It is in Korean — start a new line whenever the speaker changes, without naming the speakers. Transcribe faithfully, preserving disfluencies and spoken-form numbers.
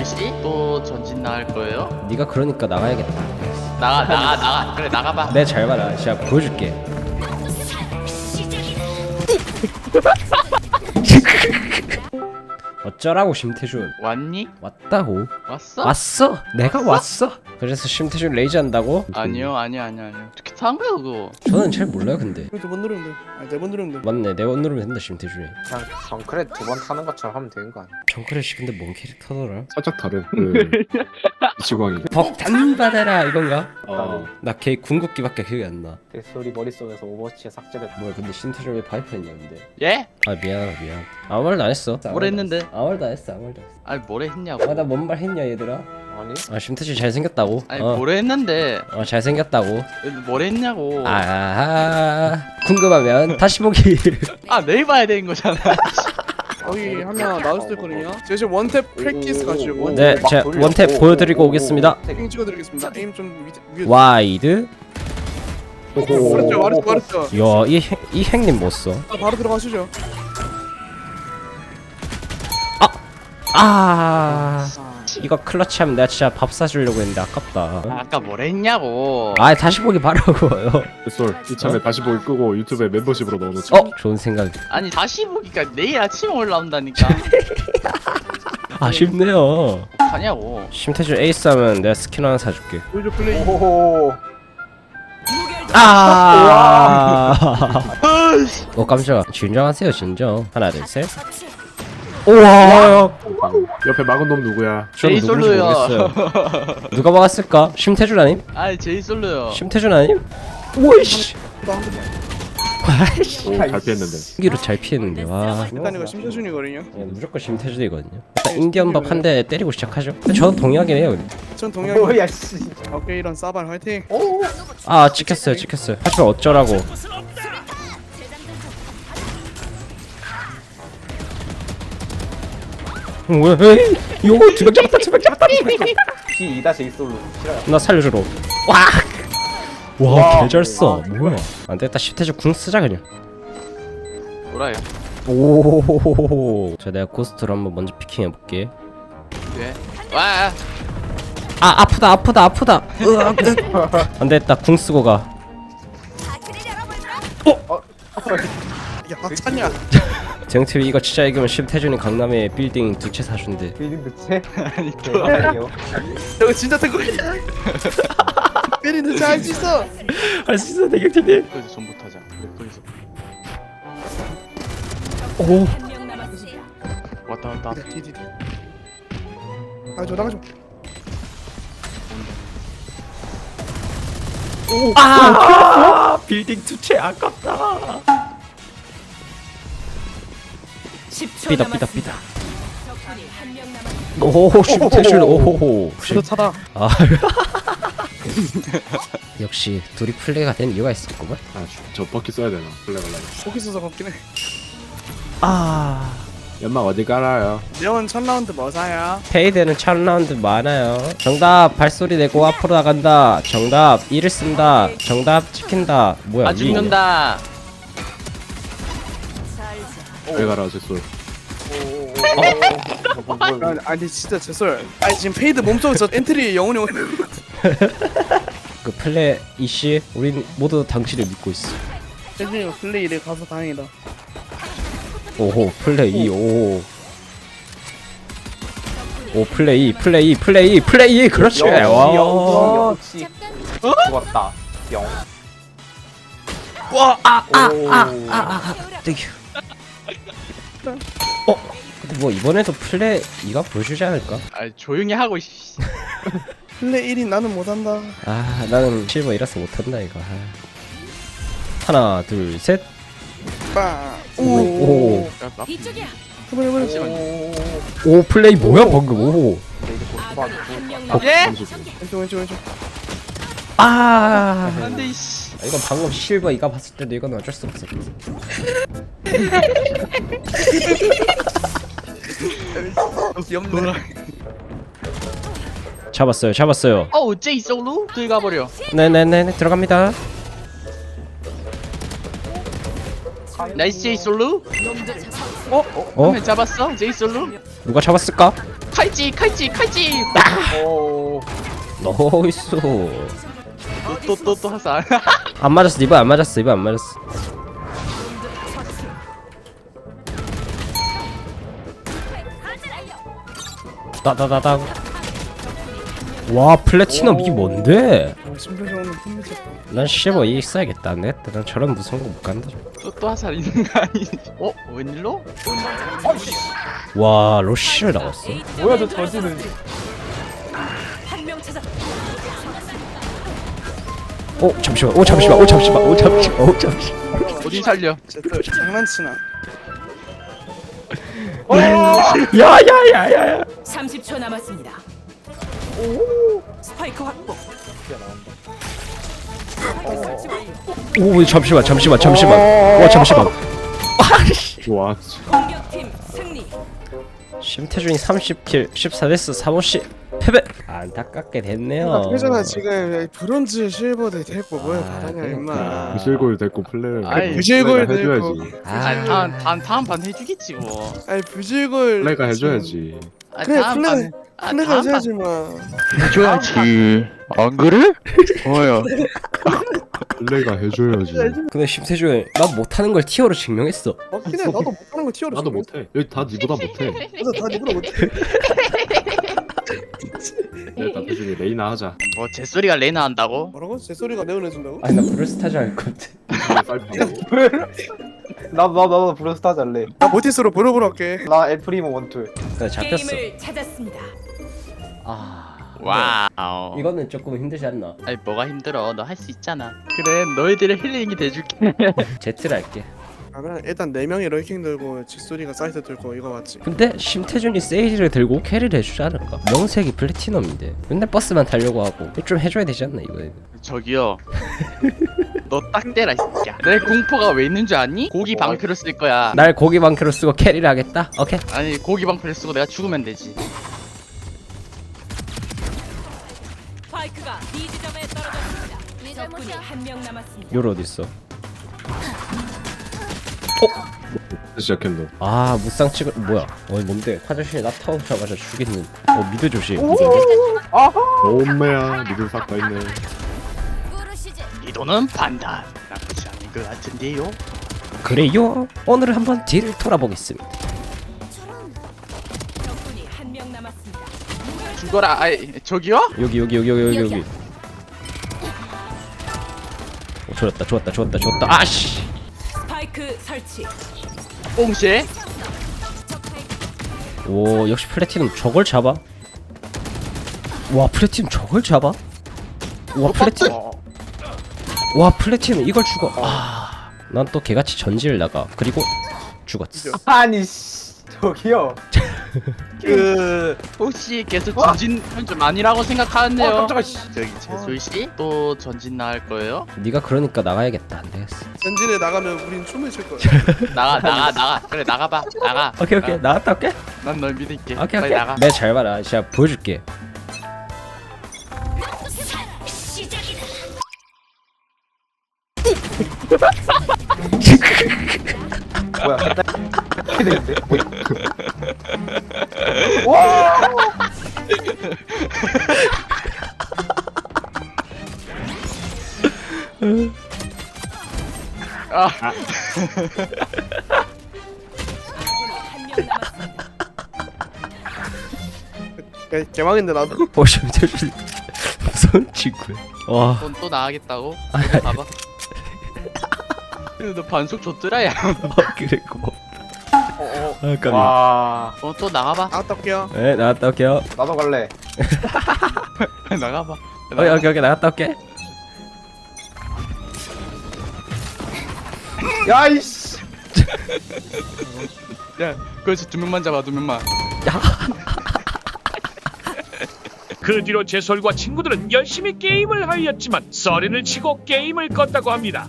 글씨? 또 전진 나갈 거예요?
네가 그러니까 나가야겠다.
나가 나가 나가 그래 나가봐.
내 잘 봐라. 진짜 보여줄게. 어쩌라고 심태준.
왔니?
왔다고.
왔어?
왔어. 내가 왔어. 그래서 심태준 레이즈 한다고?
아니요 아니요 아니요 아니요 어떻게 산 거야 그거?
저는 잘 몰라요 근데.
이거 두번 누르면 돼. 아니 네번 누르면 돼.
맞네. 네 번 누르면 된다 심태준이.
그냥 정크레 두 번 타는 것처럼 하면 되는 거 아니야?
정크래쉬 근데 뭔 캐릭터더라?
살짝 다른 그 이치광이.
벅탄 받아라 이건가?
어.
나 걔 궁극기밖에 기억이 안 나.
내 소리 머릿속에서 오버워치에 삭제됐다.
뭐야 근데 심태준 왜 파이프 했냐 근데.
예?
아 미안하다 미안. 아무 말도 안 했어.
뭘 했는데?
아무 말도 안 했어 아무 말도 안 했어.
아니 뭐래 했냐고.
아 나 뭔 말 했냐 얘들아?
아니?
아 심태준 잘생겼다고.
아니
어.
뭐래 했는데
어 잘생겼다고.
뭐래 했냐고.
아 궁금하면 다시 보기.
아 내일 봐야 되는 거잖아.
거기 하나 나올 수도 있거든요. 제가 지금 원탭 프랙티스 가지고 원탭
네, 제가 원탭 보여드리고 오겠습니다.
에임 찍어드리겠습니다. 에임 좀 위, 위에
와이드.
말했죠 말했죠 말했죠.
야이 이 행님 못 써.
아, 바로 들어가시죠.
아 이거 클러치하면 내가 진짜 밥 사주려고 했는데 아깝다.
아까 뭐래 했냐고.
아 다시 보기 바라고요.
쏠 이참에 다시 보기 끄고 유튜브에 멤버십으로 넣어놓자.
어 좋은 생각.
아니 다시 보기가 내일 아침에 올라온다니까.
아쉽네요.
가냐고.
심태준 에이스 하면 내가 스킨 하나 사줄게.
보여줘 플레이.
오호호.
아. 어 깜짝아. 진정하세요 진정. 하나 둘 셋. 우와.
옆에 막은 놈 누구야?
저는
제이
누군지
솔로요.
모르겠어요. 누가 막았을까? 심태준 아님?
아니 제이 솔로요.
심태준 아님? 오이씨.
오, 잘 피했는데.
기로 잘 피했는데 와.
일단 이거 심사순이거든요.
예, 무조건 심태준이거든요. 일단 인디언 밥 한 대 때리고 시작하죠. 근데 저도 동의하긴 해요. 근데.
전 동양이.
뭐야 씨.
오케이 이런 싸발 화이팅.
아 찍혔어요 찍혔어요. 하지만 어쩌라고. 뭐야? 에이, 요거 두명 잡았다 두명 잡았다.
피 이 다시 일 솔로. 싫어요.
나 살려주러. 와. 와 개잘 써. 뭐야? 안 되겠다. 심태준 궁 쓰자 그냥.
뭐라요?
오. 자 내가 고스트로 한번 먼저 피킹 해볼게.
왜? 와.
아 아프다 아프다 아프다. 으악, 으악. 안 되겠다. 궁 쓰고 가.
야 박찬이야.
정티비 이거 진짜 이기면 심태준이 강남에 빌딩 두 채 사준대.
빌딩 교체?
아니
대박이요.
저거 진짜 태국이야. 페리는 잘할 수 있어.
할 수 있어 대경티비.
거기서 전부 타자. 거기서
오.
왔다 왔다.
디디디. 나가줘 나가줘.
아 빌딩 두 채 아깝다. 삐다 삐다 삐다. 오 심태준 오호호.
저도 차다.
아 역시 둘이 플레이가 된 이유가 있었구만.
아, 저 버킷 써야 되나? 플레이 걸라.
포기 써서 걷긴 해.
아
연막 어디 깔아요?
내원 첫 라운드 뭐 사야?
페이드는 첫 라운드 많아요. 정답 발소리 내고 앞으로 나간다. 정답 이를 쓴다. 정답 찍힌다. 뭐야?
아 죽는다.
왜 가라 제 쏠.
아니, 아니 진짜 제설. 아니 지금 페이드 몸속에서 엔트리 영혼이 오는.
그 플레이 이씨 우린 모두 당신을 믿고 있어.
대준이가 플레이를 가서 다행이다.
오호 플레이 오호. 오 플레이 플레이 플레이 플레이 그렇지.
역시
와.
역시 죽었다. 영.
와아아아아 땡큐. 어 근데 뭐 이번에도 플레이가 보여주지 않을까?
아 조용히 하고 씨.
플레이 일 위 나는 못한다.
아 나는 실버 이라서 못한다 이거. 아. 하나 둘 셋.
빵.
오.
오.
야, 나-
이쪽이야.
해버려 해버려.
잠시만요.
오 플레이 뭐야 방금. 오.
예?
왼쪽 왼쪽 왼쪽.
아.
안돼 이씨.
아, 이건 방금 실버 이가 봤을 때도 이건 어쩔 수 없어.
염노라.
잡았어요 잡았어요.
어우 제이 솔로 들어가 버려.
네네네 들어갑니다.
나이스 제이 솔로.
어?
어? 잡았어 제이 솔로.
누가 잡았을까?
칼찌 칼찌 칼찌.
오.
나이스.
또 또 또 하사.
안 맞았어. 이번 안 맞았어. 이번 안 맞았어. 따다다다. 와 플래티넘 이게 뭔데?
아, 심표정은 폼미쳤다.
난 실버 이 써야겠다. 안 되겠다. 난 저런 무서운 거 못 간다.
또 또 하사 있는 거 아니지? 어 웬일로?
와 로시를 나왔어.
뭐야 저 저지는.
한명 찾았.
오 잠시만. 오 잠시만. 오 잠시만. 오 잠시만. 오 잠시만.
어디 살려?
쟤또 장난치나.
야야야야야.
삼십 초 남았습니다. 스파이크 확보.
오 잠시만. 잠시만. 잠시만. 와 잠시만.
와
공격팀 승리.
심태준이 삼십 킬 십사 데스 삼 호씨 패배. 안타깝게 됐네요.
그잖아 지금 브론즈 실버대 데리고 뭘
아,
받았냐
그러니까.
임마.
부실골 데리고 플레이를
아이,
부실골
플레이가
데리고.
해줘야지.
아니 다음 다음 다음 반 해주겠지 뭐.
아니 부실골.
플레이가 해줘야지.
아,
그래
다음
플레이
반- 아,
플레이가
다음 반
해줘야지 마.
해줘야지. 안 그래? 뭐야?
플레이가 해줘야지.
근데 심태준 난 못하는 걸 티어로 증명했어.
맞긴 해. 나도 못하는 거 티어로.
나도 못해. 여기 다 니보다 못해.
맞아 다 니보다 못해.
일단 대준이 레이나 하자.
뭐 제소리가 레나 한다고?
뭐라고? 제 소리가 내보내준다고?
아니 나 브루스타즈 할 건데.
나도 나도 나도 브루스타 잘래.
나 모티스로 브로브로 할게.
나 엘프리모 원툴.
나 잡혔어.
게임을 찾았습니다.
아
와우.
이거는 조금 힘들지 않나?
아니 뭐가 힘들어? 너 할 수 있잖아. 그래 너희들의 힐링이 돼줄게.
제트를 할게.
그러면 일단 네 명이 럴킹 들고 직소리가 사이트 들고 이거 맞지?
근데 심태준이 세이지를 들고 캐리를 해주지 않을까? 명색이 플래티넘인데 맨날 버스만 타려고 하고 좀 해줘야 되지 않나 이거?
저기요. 너 딱 대라 이 새끼야. 내 공포가 왜 있는 줄 아니? 고기 방패로 쓸 거야.
날 고기 방크로 쓰고 캐리를 하겠다? 오케이.
아니 고기 방패를 쓰고 내가 죽으면 되지.
스파이크가 B 지점에 떨어졌습니다. 적군이 한 명 남았습니다.
요로 어딨어?
시작했노.
아 무쌍 찍을 뭐야? 어 뭔데? 화장실에 나타오자마자 죽겠는. 어 미드 조심.
엄매야 니들 싹 다 있네.
이 돈은 반반. 나쁘지 않은 것 같은데요.
그래요? 오늘 한번 뒤를 돌아보겠습니다.
적군이 한 명 남았습니다.
죽어라. 아이 저기요?
여기 여기 여기 여기 여기 여기. 오, 좋았다 좋았다 좋았다 좋았다. 아씨.
스파이크 설치.
뽕쉐.
오 역시 플래티넘 저걸 잡아? 와 플래티넘 저걸 잡아? 와 플래티넘 와 플래티넘 이걸 죽어. 아난 또 개같이 전지를 나가. 그리고 죽었어.
아니 씨 저기요.
그 혹시 계속 전진 좀 아니라고 생각하는데요.
어, 깜짝아 씨.
저기 재솔 씨 또 전진 나갈 거예요?
네가 그러니까 나가야겠다. 안 되겠어.
전진에 나가면 우린 춤을 출 거야.
나가 나가 나가. 그래 나가봐. 나가.
오케이 오케이 나갔다 올게.
난 널 믿을게.
오케이
빨리
오케이.
나가.
내가 잘 봐라. 제가 보여줄게.
뭐야? 이렇게 되는데?
아
한 명 남았습니다.
개- 개망인데 나도.
보시면 되지. 무서운 친구야. 와.
넌 또 나가겠다고?
아니,
이거 봐봐. 근데 너 반속 줬더라야.
그래 고마워.
어어.
아 깜짝이야.
와.
어 또 나가봐.
나갔다 올게요.
네 나갔다 올게요.
나도 갈래.
나가봐.
오케이 오케이 오케이 나갔다 올게.
야이씨.
야, 그렇지 두 명만 잡아 두 명만.
그 뒤로 제솔과 친구들은 열심히 게임을 하였지만 서린을 치고 게임을 껐다고 합니다.